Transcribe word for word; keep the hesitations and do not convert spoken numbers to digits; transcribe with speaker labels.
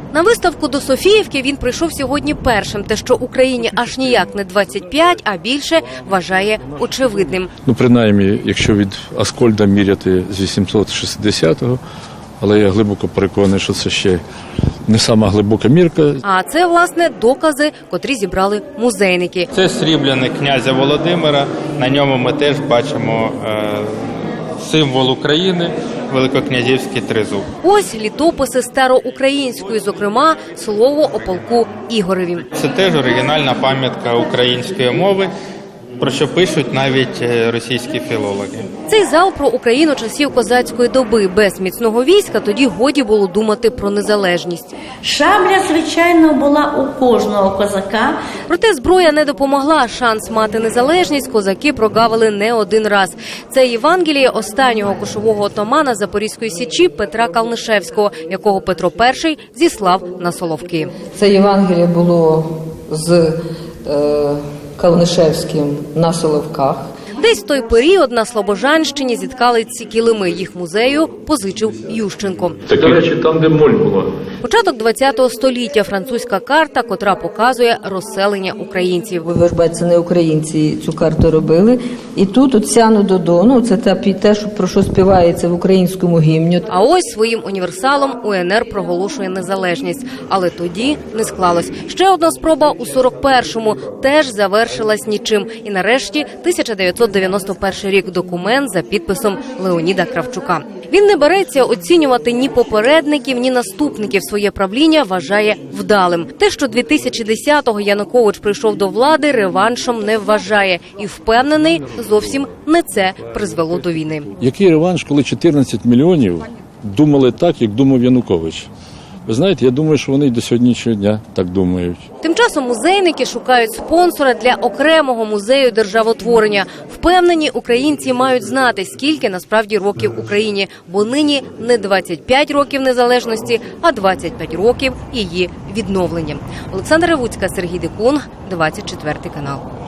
Speaker 1: На виставку до Софіївки він прийшов сьогодні першим. Те, що Україні аж ніяк не двадцять п'ять, а більше, вважає очевидним.
Speaker 2: Ну, принаймні, якщо від Аскольда міряти з вісімсот шістдесятого, але я глибоко переконаний, що це ще не сама глибока мірка.
Speaker 1: А це, власне, докази, котрі зібрали музейники.
Speaker 3: Це срібляник князя Володимира. На ньому ми теж бачимо е, символ України – великокнязівський тризуб.
Speaker 1: Ось літописи староукраїнської, зокрема, слово о полку Ігореві.
Speaker 3: Це теж оригінальна пам'ятка української мови, про що пишуть навіть російські філологи.
Speaker 1: Цей зал про Україну часів козацької доби. Без міцного війська тоді годі було думати про незалежність.
Speaker 4: Шабля, звичайно, була у кожного козака.
Speaker 1: Проте зброя не допомогла. Шанс мати незалежність козаки прогавили не один раз. Це Євангеліє останнього кошового отамана Запорізької січі Петра Калнишевського, якого Петро І зіслав на Соловки.
Speaker 5: Це Євангеліє було з е, Калнишевським на Соловках.
Speaker 1: Десь в той період на Слобожанщині зіткали ці килими. Їх музею позичив Ющенко.
Speaker 2: Так, до речі, там, де моль була.
Speaker 1: Початок ХХ століття. Французька карта, котра показує розселення українців.
Speaker 5: Ви ж бачите, це не українці цю карту робили. І тут от Сяну Додону, це те, про що співається в українському гімні.
Speaker 1: А ось своїм універсалом УНР проголошує незалежність. Але тоді не склалось. Ще одна спроба у сорок першому теж завершилась нічим. І нарешті тисяча дев'ятсот дев'яносто перший рік, документ за підписом Леоніда Кравчука. Він не береться оцінювати ні попередників, ні наступників. Своє правління вважає вдалим. Те, що дві тисячі десятого Янукович прийшов до влади, реваншом не вважає. І впевнений, зовсім не це призвело до війни.
Speaker 2: Який реванш, коли чотирнадцять мільйонів думали так, як думав Янукович? Ви знаєте, я думаю, що вони й до сьогоднішнього дня так думають.
Speaker 1: Тим часом музейники шукають спонсора для окремого музею державотворення. Впевнені, українці мають знати, скільки насправді років Україні. Бо нині не двадцять п'ять років незалежності, а двадцять п'ять років її відновлення. Олександра Ревуцька, Сергій Дикун, двадцять четвертий канал.